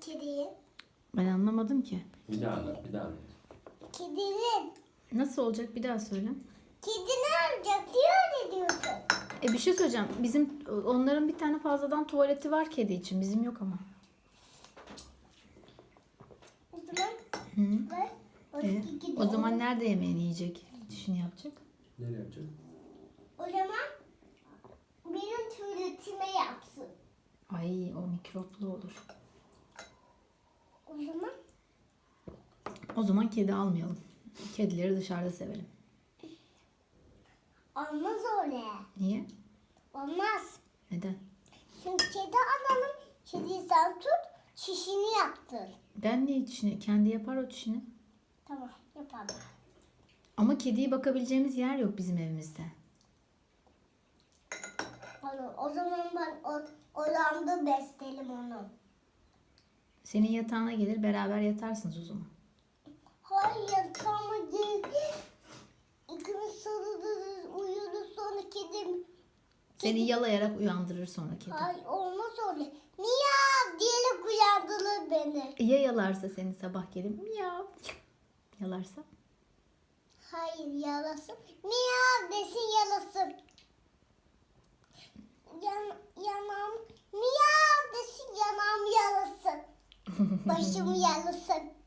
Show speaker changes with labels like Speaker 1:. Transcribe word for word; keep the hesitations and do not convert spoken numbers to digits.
Speaker 1: Kedinin.
Speaker 2: Ben anlamadım ki.
Speaker 3: Bir daha anlat, bir daha anlat.
Speaker 1: Kedinin.
Speaker 2: Nasıl olacak bir daha söyle.
Speaker 1: Kedi ne yapacak diye öyle diyorsun.
Speaker 2: E bir şey söyleyeceğim. Bizim onların bir tane fazladan tuvaleti var kedi için. Bizim yok ama.
Speaker 1: O zaman
Speaker 2: Hı.
Speaker 1: ver. O,
Speaker 2: E,
Speaker 1: kedi
Speaker 2: o zaman
Speaker 1: onu-
Speaker 2: nerede yemeğini yiyecek? Dişini yapacak.
Speaker 3: Nereye yapacak?
Speaker 1: O zaman benim tuvaletime yapsın.
Speaker 2: Ay o mikroplu olur.
Speaker 1: O zaman
Speaker 2: O zaman kedi almayalım. Kedileri dışarıda sevelim.
Speaker 1: olmaz öyle.
Speaker 2: Niye?
Speaker 1: Olmaz.
Speaker 2: Neden?
Speaker 1: Çünkü kedi alalım. Kediyi sen tut. Çişini yaptır.
Speaker 2: Ben niye dişini? Kendi yapar o dişini.
Speaker 1: Tamam yapalım.
Speaker 2: Ama kediye bakabileceğimiz yer yok bizim evimizde.
Speaker 1: Olur. O zaman ben o, odamda beslerim onu.
Speaker 2: Senin yatağına gelir beraber yatarsınız o zaman.
Speaker 1: Hayır tamam değil. İkimiz sarılırız, uyuruz sonra kedim.
Speaker 2: Seni yalayarak uyandırır sonra kedi.
Speaker 1: Ay olmaz öyle. Miyav diyerek uyandırır beni.
Speaker 2: Ya yalarsa seni sabah gelip miyav yalarsa?
Speaker 1: Hayır yalasın. Miyav desin yalasın. Yan, yanağım miyav desin yanağım yalasın. Başımı yalasın.